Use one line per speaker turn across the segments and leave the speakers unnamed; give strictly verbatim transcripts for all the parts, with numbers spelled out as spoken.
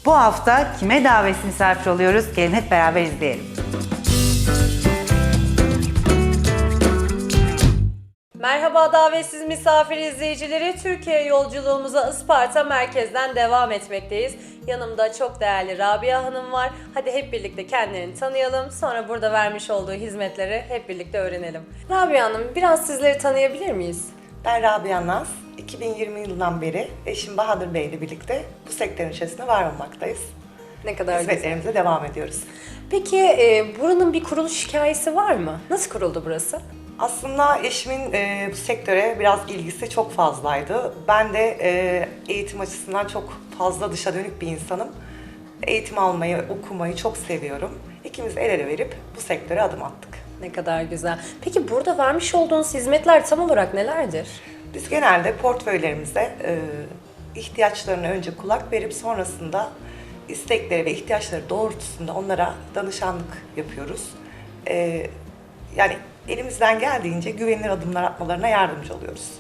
Bu hafta kime davetsiz misafir oluyoruz? Gelin hep beraber izleyelim.
Merhaba davetsiz misafir izleyicileri. Türkiye yolculuğumuza Isparta merkezden devam etmekteyiz. Yanımda çok değerli Rabia Hanım var. Hadi hep birlikte kendilerini tanıyalım. Sonra burada vermiş olduğu hizmetleri hep birlikte öğrenelim. Rabia Hanım, biraz sizleri tanıyabilir miyiz?
Ben Rabia Naz. iki bin yirmi yılından beri eşim Bahadır Bey ile birlikte bu sektörün içerisinde var olmaktayız.
Ne kadar güzel.
Hizmetlerimize devam ediyoruz.
Peki e, buranın bir kuruluş hikayesi var mı? Nasıl kuruldu burası?
Aslında eşimin e, bu sektöre biraz ilgisi çok fazlaydı. Ben de e, eğitim açısından çok fazla dışa dönük bir insanım. Eğitim almayı, okumayı çok seviyorum. İkimiz el ele verip bu sektöre adım attık.
Ne kadar güzel. Peki burada vermiş olduğunuz hizmetler tam olarak nelerdir?
Biz genelde portföylerimize e, ihtiyaçlarına önce kulak verip sonrasında istekleri ve ihtiyaçları doğrultusunda onlara danışanlık yapıyoruz. E, yani elimizden geldiğince güvenilir adımlar atmalarına yardımcı oluyoruz.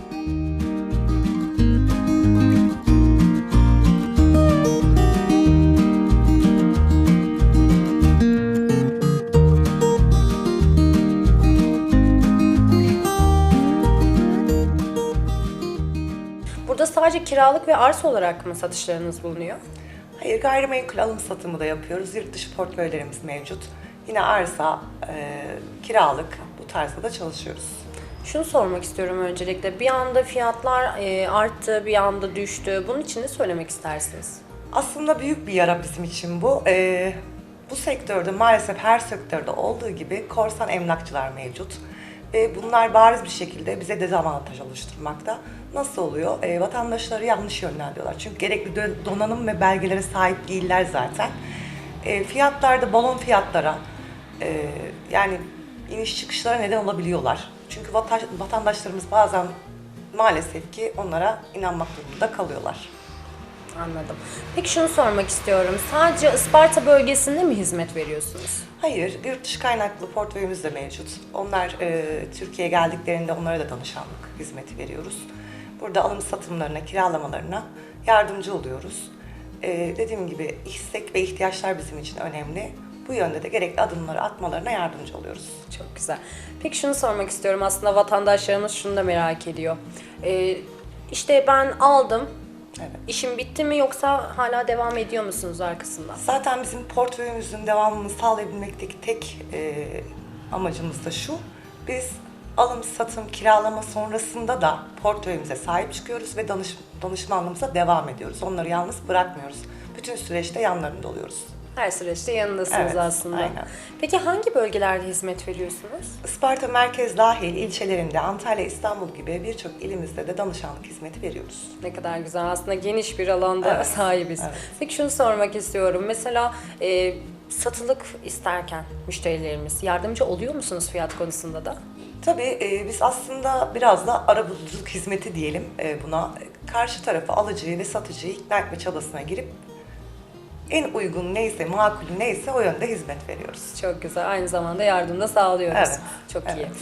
Burada sadece kiralık ve arsa olarak mı satışlarınız bulunuyor?
Hayır, gayrimenkul alım satımı da yapıyoruz. Yurt dışı portföylerimiz mevcut. Yine arsa, e, kiralık bu tarzda da çalışıyoruz.
Şunu sormak istiyorum öncelikle. Bir anda fiyatlar e, arttı, bir anda düştü. Bunun için ne söylemek istersiniz?
Aslında büyük bir yara bizim için bu. E, bu sektörde maalesef her sektörde olduğu gibi korsan emlakçılar mevcut. Ve bunlar bariz bir şekilde bize dezavantaj oluşturmakta. Nasıl oluyor? E, vatandaşları yanlış yönlendiriyorlar. Çünkü gerekli donanım ve belgelere sahip değiller zaten. E, fiyatlarda balon fiyatlara, e, yani iniş çıkışlara neden olabiliyorlar. Çünkü vata, vatandaşlarımız bazen maalesef ki onlara inanmak durumunda kalıyorlar.
Anladım. Peki şunu sormak istiyorum. Sadece Isparta bölgesinde mi hizmet veriyorsunuz?
Hayır, yurt dışı kaynaklı portföyümüz de mevcut. Onlar e, Türkiye'ye geldiklerinde onlara da danışanlık hizmeti veriyoruz. Burada alım satımlarına, kiralamalarına yardımcı oluyoruz. E, dediğim gibi istek ve ihtiyaçlar bizim için önemli. Bu yönde de gerekli adımları atmalarına yardımcı oluyoruz.
Çok güzel. Peki şunu sormak istiyorum. Aslında vatandaşlarımız şunu da merak ediyor. Ee, işte ben aldım.
Evet.
İşim bitti mi yoksa hala devam ediyor musunuz arkasından?
Zaten bizim portföyümüzün devamını sağlayabilmekteki tek e, amacımız da şu. Biz alım, satım, kiralama sonrasında da portföyümüze sahip çıkıyoruz ve danış, danışmanlığımıza devam ediyoruz. Onları yalnız bırakmıyoruz. Bütün süreçte yanlarında oluyoruz.
Her süreçte yanındasınız
Evet,
aslında.
aynen.
Peki hangi bölgelerde hizmet veriyorsunuz?
Isparta merkez dahil ilçelerinde, Antalya, İstanbul gibi birçok ilimizde de danışanlık hizmeti veriyoruz.
Ne kadar güzel. Aslında geniş bir alanda
Evet,
sahibiz.
evet.
Peki şunu sormak istiyorum. Mesela e, satılık isterken müşterilerimiz yardımcı oluyor musunuz fiyat konusunda da?
Tabii e, biz aslında biraz da arabuluculuk hizmeti diyelim e, buna. Karşı tarafı alıcıyı ve satıcıyı ikna etme çabasına girip en uygun neyse, makul neyse o yönde hizmet veriyoruz.
Çok güzel. Aynı zamanda yardım da sağlıyoruz.
Evet,
Çok
evet.
iyi.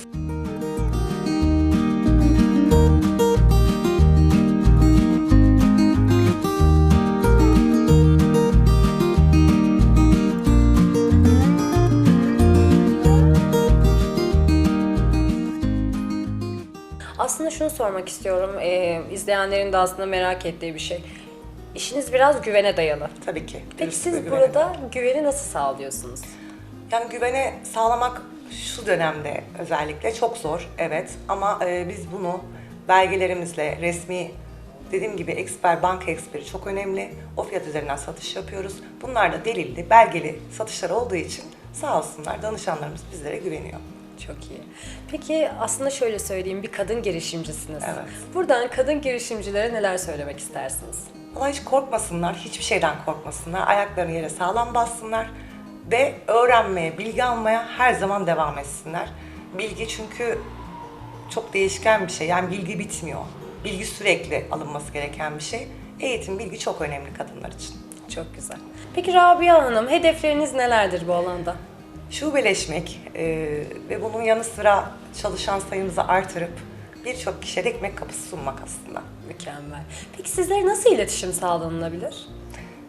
Aslında şunu sormak istiyorum. Ee, izleyenlerin de aslında merak ettiği bir şey. İşiniz biraz güvene dayalı.
Tabii ki.
Peki
dürüstlük ve
siz
güvene.
burada güveni nasıl sağlıyorsunuz?
Yani güvene sağlamak şu dönemde özellikle çok zor, evet. Ama e, biz bunu belgelerimizle, resmi, dediğim gibi eksper, banka eksperi çok önemli. O fiyat üzerinden satış yapıyoruz. Bunlar da delilli, belgeli satışlar olduğu için sağ olsunlar danışanlarımız bizlere güveniyor.
Çok iyi. Peki aslında şöyle söyleyeyim, bir kadın girişimcisiniz.
Evet.
Buradan kadın girişimcilere neler söylemek istersiniz?
Vallahi hiç korkmasınlar, hiçbir şeyden korkmasınlar. Ayaklarını yere sağlam bassınlar ve öğrenmeye, bilgi almaya her zaman devam etsinler. Bilgi çünkü çok değişken bir şey, yani bilgi bitmiyor. Bilgi sürekli alınması gereken bir şey. Eğitim, bilgi çok önemli kadınlar için.
Çok güzel. Peki Rabia Hanım, hedefleriniz nelerdir bu alanda?
Şubeleşmek e, ve bunun yanı sıra çalışan sayımızı artırıp birçok kişiye de ekmek kapısı sunmak aslında.
Mükemmel. Peki sizlere nasıl iletişim sağlanılabilir?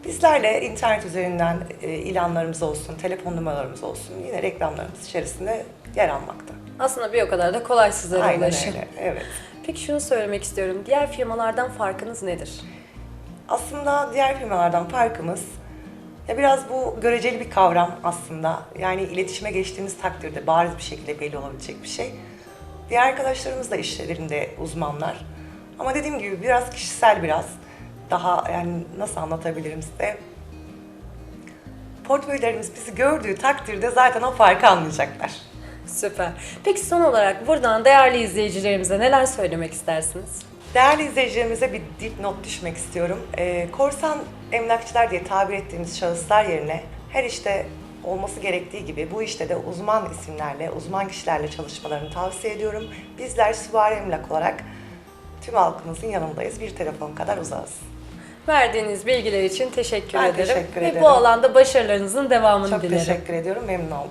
Bizlerle internet üzerinden e, ilanlarımız olsun, telefon numaralarımız olsun yine reklamlarımız içerisinde yer almakta.
Aslında bir o kadar da kolay sizlere
Aynen
ulaşım.
öyle, evet.
Peki şunu söylemek istiyorum. Diğer firmalardan farkınız nedir?
Aslında diğer firmalardan farkımız, ya biraz bu göreceli bir kavram aslında. Yani iletişime geçtiğimiz takdirde bariz bir şekilde belli olabilecek bir şey. Diğer arkadaşlarımız da işlerinde uzmanlar. Ama dediğim gibi biraz kişisel biraz. Daha yani nasıl anlatabilirim size? Portföylerimiz bizi gördüğü takdirde zaten o farkı anlayacaklar.
Süper. Peki son olarak buradan değerli izleyicilerimize neler söylemek istersiniz?
Değerli izleyicilerimize bir dipnot düşmek istiyorum. Ee, korsan emlakçılar diye tabir ettiğimiz şahıslar yerine her işte olması gerektiği gibi bu işte de uzman isimlerle, uzman kişilerle çalışmalarını tavsiye ediyorum. Bizler Süvari Emlak olarak tüm halkımızın yanındayız. Bir telefon kadar uzağız.
Verdiğiniz bilgiler için teşekkür
Ben
ederim.
teşekkür
Ve
ederim.
bu alanda başarılarınızın devamını
Çok
dilerim.
teşekkür ediyorum, memnun oldum.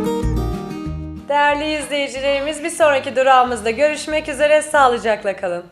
Değerli izleyicilerimiz, bir sonraki durağımızda görüşmek üzere. Sağlıcakla kalın.